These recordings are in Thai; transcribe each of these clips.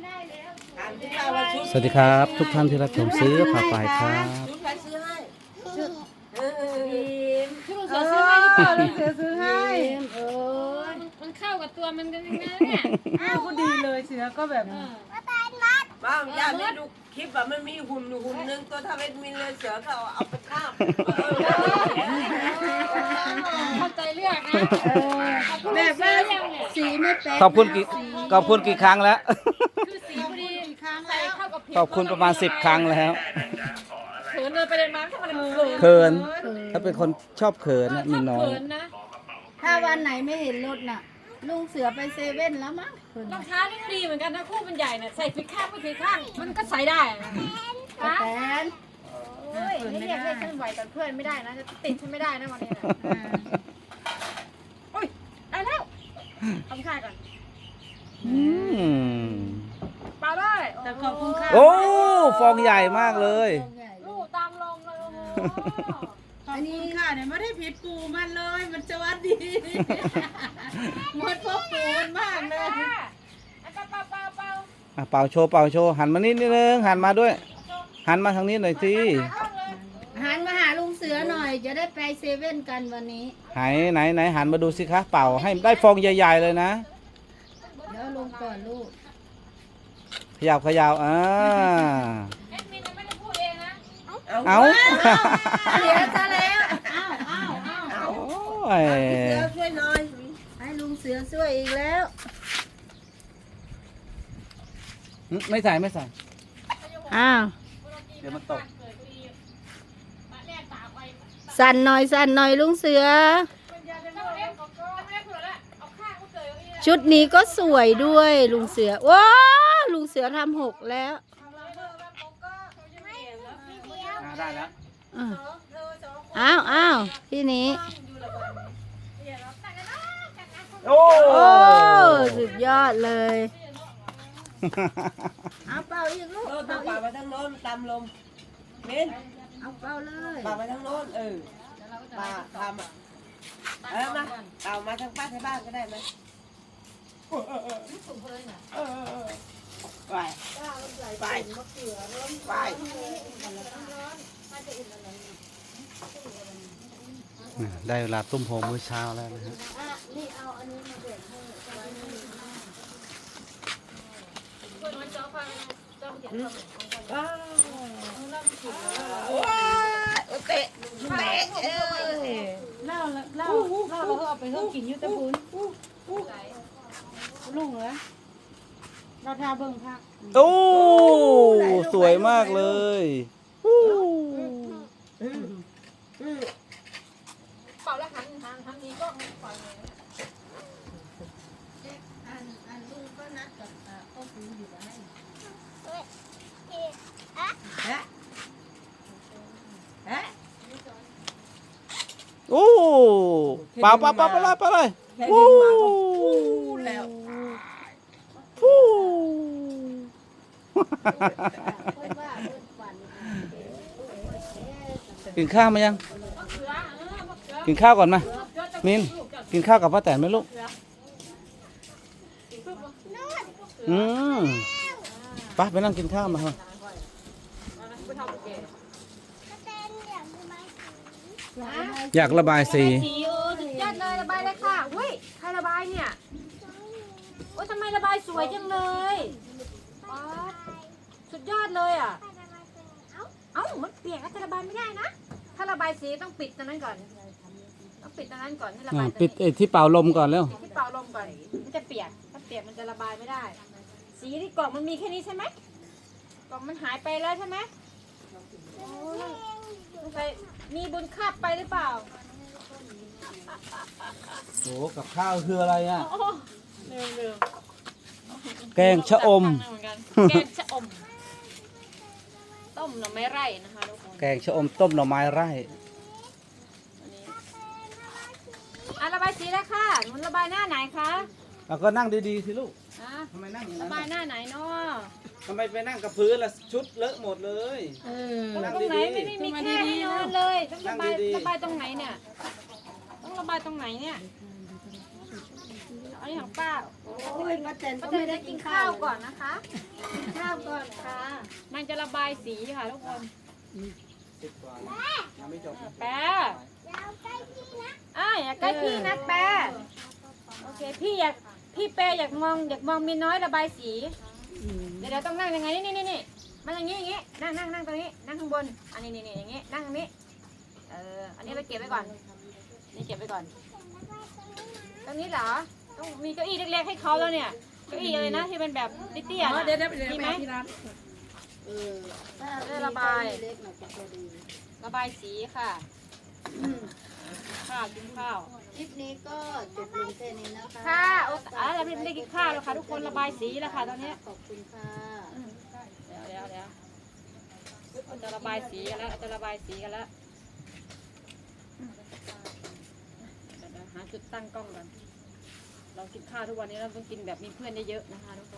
สวัสดีครับทุกท่านที่รับชมซื้อผ้าป่ายครับชุดใครซื้อให้ชุดชุดลุงเสือซื้อให้หรือเปล่าลุงเสือซื้อให้มันเข้ากับตัวมันกันยังไงเนี่ยอ้าวก็ดีเลยเสือก็แบบบ้างย่าได้ดูคลิปแบบมันมีหุ่นนึงตัวทำเป็นมินเลยเสือก็เอาไปข้ามเข้าใจเลือกนะแบบว่าสีไม่แปลกขอบคุณกี่ครั้งแล้วคือสีพอดีใส่เข้ากับผิวขอบคุณประมาณ10 ครั้งแล้วเขินเลยไปเลยมาถ้ามันเขินเขินถ้าเป็นคนชอบเขินนะมีน้อยเขินนะถ้าวันไหนไม่เห็นรถน่ะ ลุงเสือไปเซเว่นแล้วมั้งรองเท้านี่ก็ดีเหมือนกันนะคู่มันใหญ่น่ะใส่ผิดข้างไม่ผิดข้างมันก็ใส่ได้นะป้าแตนโอ้ยนี่เรียกให้ฉันไหวกับเพื่อนไม่ได้นะจะติดฉันไม่ได้นะวันนี้นะโอ้ยได้แล้วทำค่ายก่อนอืมเปล่าได้แต่ขอบคุณค่ะโอ้ฟองใหญ่มากเลยลูกตามลงเลยโอ้โหขอบคุณค่ะเนี่ยไม่ได้ผิดปูมันเลยมันจะวัดดี หมดพบปูมันมากเลยเปล่าอ่ะเป่าโชว์หันมานิดนึงหันมาด้วย หันมาทางนี้หน่อยสิหันมาหาลุงเสือหน่อย จะได้ไปเซเว่นกันวันนี้ไหนหันมาดูสิคะเป่าให้ได้ฟองใหญ่ๆเลยนะเดี๋ยวลงก่อนลูกขยับแอดมินยังไม่ได้พูดเองนะเอาเสียซะแล้วอ้าวโอ้ยเสือช่วยหน่อยให้ลุงเสือช่วยอีกแล้วไม่ใส่อ้าวเดี๋ยวมันตกสั่นหน่อยลุงเสือ ชุดนี้ก็สวยด้วยลุงเสือว้าลุงเสือทำ6แล้วได้แล้วอ้าวที่นี้โอ้โอ้สุดยอดเลยเอาเป่าอีกลูกโน่นต้องป่าไปทางโน้นตามลมเมนเอาเป่าเลยป่าไปทางโน้นป่าทำอ่ะมาเอามาทางป้าที่บ้านก็ได้ไหมไปไปได้เวลาตุ้มโฮมมื้อเช้าแล้วนะฮะนี่เอาอันนี้มาเด็ดให้คนน้อยจ้อฟังจ้อเขียนคำว้าวเตะเล่าเราก็เอาไปเพิ่มกินยุทธภูนลุงเหรอเราทาเบิ่งพักโอ้สวยมากเลยเป่าแล้วหันนี้ก็ปล่อยเลยอันลุงก็นัดกับพ่อปูอยู่ได้โอ้เปล่าเลยวู้แล้วฟู้ กินข้าวมายัง กินข้าวก่อนมามินกินข้าวกับป้าแตนไหมลูกไปไปนั่งกินข้าวมาเถอะอยากระบายสีสีสุดยอดเลยระบายเลยค่ะเฮ้ยใครระบายเนี่ยโอ้ยทำไมระบายสวยจังเลยป๊าดสุดยอดเลยอ่ะเอ้ามันเปียกจะระบายไม่ได้นะถ้าระบายสีต้องปิดตรงนั้นก่อนต้องปิดตรงนั้นก่อนให้ระบายปิดที่เป่าลมก่อนแล้วปิดที่เป่าลมก่อนมันจะเปียกถ้าเปียกมันจะระบายไม่ได้ สีที่กล่องมันมีแค่นี้ใช่ไหมกล่องมันหายไปแล้วใช่ไหมโอ้ยสงสัยมีบุญคาบไปหรือเปล่าโอ้กับข้าวคืออะไรอ่ะโอ้ลืมแกงชะอมแกงชะอม ต้มหน่อไม้ไร่นะคะทุกคนแกงชะอมต้มหน่อไม้ไร่อันนี้ระบายสีแล้วค่ะหนูระบายหน้าไหนคะแล้วก็นั่งดีๆสิลูกอ่ะทำไมนั่งอย่างระนั้นบายหน้าไหนเนาะทำไมไปนั่งกับพื้นล่ะชุดเลอะหมดเลยตรงนั่งไหนดีไม่มีแค่ให้นอนเลยต้องระบายนั่งดีๆระบายตรงไหนเนี่ยต้องระบายตรงไหนเนี่ยอันนี้ของป้าโอ้ยป้าแตนป้าก็แตไม่นได้จะกิกินนข้าข้าว วก่ก่ออน นนะคะกินข้าวก่อนค่ะมันจะระบายสีค่ะทุกคน 10 กว่ายังไม่จบแปรอย่าใกล้พี่นะแปรโอเคพี่แปรอยากมองมีน้อยระบายสี เดี๋ยวต้องนั่งยังไงนี่มันอย่างงี้นั่งตรงนี้นั่งข้างบนอันนี้อย่างงี้นั่งตรงนี้อันนี้ไปเก็บไว้ก่อนนี่เก็บไว้ก่อนตรงนี้เหรอต้องมีเก้าอี้เล็กๆให้เขาแล้วเนี่ยเก้าอี้อะไรนะที่เป็นแบบเตี้ยๆนะมีไหม ได้ระบายเล็กหน่อยจะพอดีระบายสีค่ะข้าวกินข้าวคลิปนี้ก็จบลงแค่นี้นะคะค่ะเราไม่ได้กินข้าวแล้วค่ะทุกคนระบายสีแล้วค่ะตอนนี้ขอบคุณค่ะเดี๋ยวเราจะระบายสีกันแล้วจะระบายสีกันแล้วเดี๋ยวหาจุดตั้งกล้องก่อนเรากินข้าวทุกวันนี้เราต้องกินแบบมีเพื่อนเยอะๆนะคะทุกคน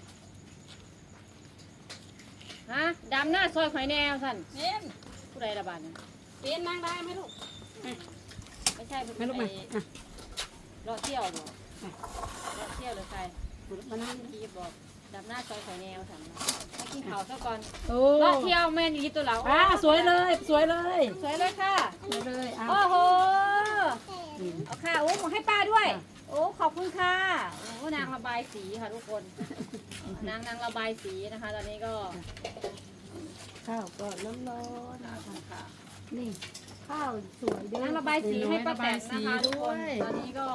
ฮะดำหน้าซอยหอยแนวสั่นผู้ใดระบาดเนี่ยเปลี่ยนนั่งได้ไหมลูกไม่ใช่ไม่ลูกมารอเที่ยวบอกรอเที่ยวหรือใครมานั่งกีบบอกดำหน้าซอยหอยแนวสั่นให้กินข้าวซะก่อนโอ้รอเที่ยวแม่นอยู่ที่ตัวเราสวยเลยสวยเลยสวยเลยค่ะสวยเลยอ่ะโอ้โหเอาค่ะโอ้ให้ป้าด้วย โอ้ขอบคุณค่ะโอ้นางระบายสีค่ะทุกคนนางระบายสีนะคะ ตอนนี้ก็ข้าวก็น้ำร้อนค่ะนี่ข้าวสวยด้วยนางระบายสีให้ป้าแตนนะคะทุกคนตอนนี้ก็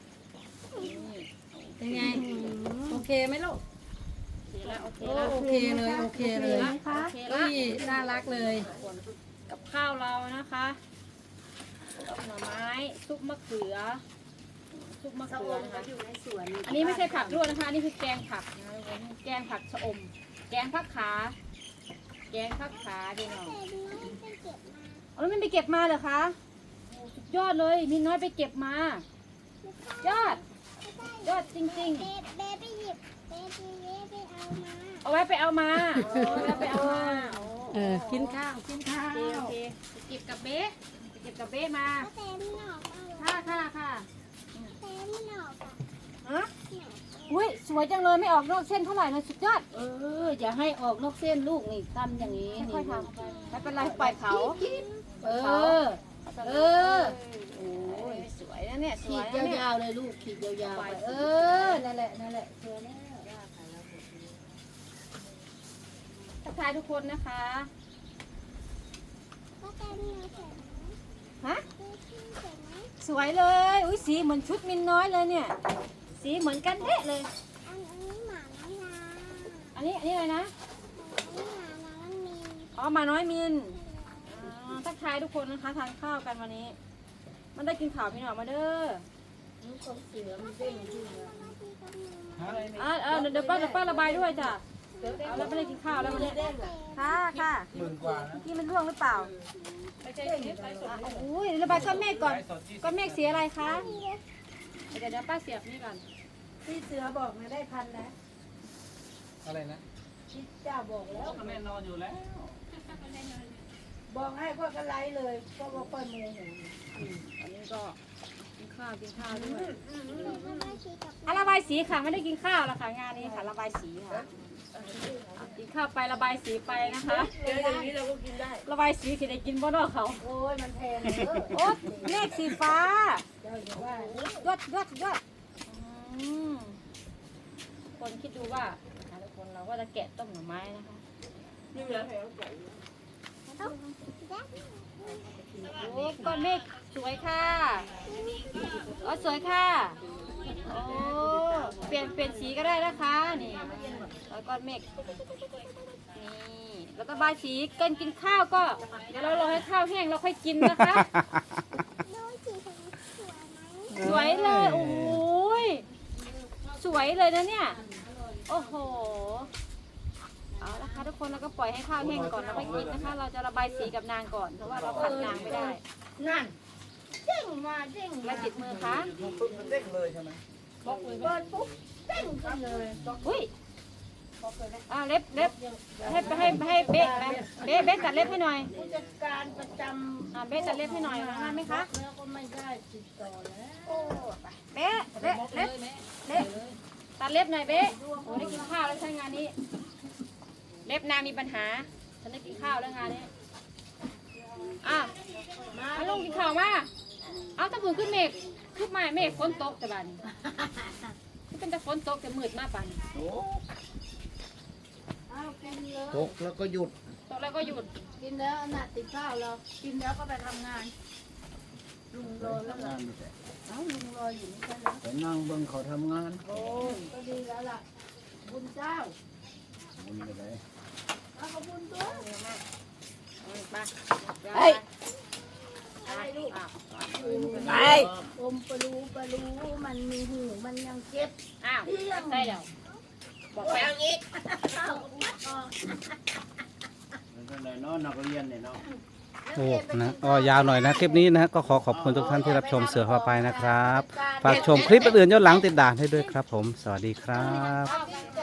เป็นไงโอเคไหมลูกโอเคแล้วโอเคเลยโอเคเลยโอเคเฮ้แล้วยน่ารักเลยกับข้าวเรานะคะหน่อไม้ซุปมะเขือนะคะอยู่ในสวนอันนี้ไม่ใช่ผักลวกนะคะอันนี่คือแกงผักนะคะทุกคนแกงผักชะอม แกงผักขาพี่น้องเอาแล้วมันไปเก็บมาเหรอคะโอ้สุดยอดเลยมีน้อยไปเก็บมายอดจริงๆเบไปหยิบเบไปเอามาเอาไว้ไปเอามาโอ้ไว้ไปเอามาโอ้กินข้าวโอเคไปเก็บกับเบ๊มาเต็มหนอกเอาค่ะเต็มหนอกอ่ะฮะอุ้ยสวยจังเลยไม่ออกนอกเส้นเท่าไหร่เลยสุดยอดอย่าให้ออกนอกเส้นลูกนี่ทำอย่างนี้ค่อยๆทำไม่เป็นไรปล่อยเขาเออโอ้ยสวยนะเนี่ยสขีวยดนะเนี่ยยาวๆเลยลูกขีดยาวๆไปนั่นแหละสวยแล้วทักทายทุกคนนะคะก็เต็มหนอกเสร็จไหมฮะดูที่เสร็จไหมสวยเลยอุ้ยสีเหมือนชุดมินน้อยเลยเนี่ยสีเหมือนกันเด๊ะเลยอันนี้หมาน้ำลาอันนี้อะไรนะอันนี้หมาน้ำมีอ๋อหมาน้อยมินทักทายทุกคนนะคะทานข้าวกันวันนี้ มันได้กินข่าวพี่หน่อยมาเด้อลูกของเสือมันเด้งขึ้นมาเดี๋ยวป้าระบายด้วยจ้ะเอาแล้วไม่ได้กินข้าวแล้ววันนี้ค่ะหมื่นกว่านะเมื่อกี้มันร่วงหรือเปล่าโอ้ยระบายก้อนเมฆก่อนก้อนเมฆสีอะไรคะเดี๋ยวป้าเสียบนี่ก่อนที่เสือบอกมาได้พันนะอะไรนะที่เจ้าบอกแล้วแม่นอนอยู่แล้วบอกให้พวกกันไลเลยพวกว่าค่อยโมโหอันนี้ก็กินข้าวด้วยไม่ชี้กับระบายสีค่ะไม่ได้กินข้าวแล้วค่ะงานนี้ค่ะระบายสีค่ะกินข้าวไประบายสีไปนะคะเดี๋ยวอย่างนี้เราก็กินได้ระบายสีสิได้กินบ่เนอกเขาโอ้ยมันแพงเด้อโอ๊ยเมฆสีฟ้าเจ้าอย่าว่ายอดคนคิดดูว่าทุกคนเราก็จะแกะต้มหน่อไม้นะคะนี่เหลือแถวใส่โอ้ก้อนเมฆสวยค่ะอ๋อสวยค่ะโอ้เปลี่ยนสีก็ได้นะคะนี่แล้วก้อนเมฆนี่แล้วก็บายสีกินข้าวก็เดี๋ยวเรารอให้ข้าวแห้งเราค่อยกินนะคะดูสีสวยไหมสวยเลยโอ้โหยสวยเลยนะเนี่ยโอ้โหเอาละค่ะทุกคนเราก็ปล่อยให้ข้าวแห้งก่อนแล้วค่อยกินนะคะ เราจะระบายสีกับนางก่อนเพราะว่าเราขัดนางไม่ได้นั่นเด้งมาเด้งมาติดมือคะปุ๊บมันเด้งเลยใช่ไหมเปิดปุ๊บเด้งขึ้นเลยอุ้ยเล็บให้เบ๊ะเบ๊ะตัดเล็บให้หน่อยผู้จัดการประจเบ๊ะตัดเล็บให้หน่อยงานไหมคะำแล้วก็ไม่ได้ติดต่อแล้วเบ๊ะเล็บตัดเล็บหน่อยเบ๊ะโอ้ได้กินข้าวแล้วใช่งานนี้ เล็บนางมีปัญหาฉันได้กินข้าวแล้วงานนี้มาลงกินข้าวมาเอาตะพื้นขึ้นเมฆขึ้นมาเมฆฝนตกแต่บ้านนี้มันเป็นแต่ฝนตกแต่มืดมากป่านนี้ตกแล้วก็หยุดตกแล้วก็หยุดกินแล้วน่ะติดข้าวแล้วกินแล้วก็ไปทำงานลุงรอแล้วงานไม่ใช่ลุงรออยู่ไม่ใช่เหรอไปนั่งเบิ่งเขาทำงานโอ้ก็ดีแล้วล่ะบุญเจ้ามันไม่ได้เอาขอบคุณตัวมาเฮ้ยอะไรลูกไปอมปลูมันมีหูมันยังเจ็บอ้าวใช่เดี๋ยวบอกไปไปเอางี้แล้วก็ได้เนาะนักเรียนเนี่ยเนาะโอ้นะก็ยาวหน่อยนะคลิปนี้นะก็ขอขอบคุณทุกท่านที่รับชมเสือพาไปนะครับฝากชมคลิปอื่นๆย้อนหลังติดด่านให้ด้วยครับผมสวัสดีครับเอา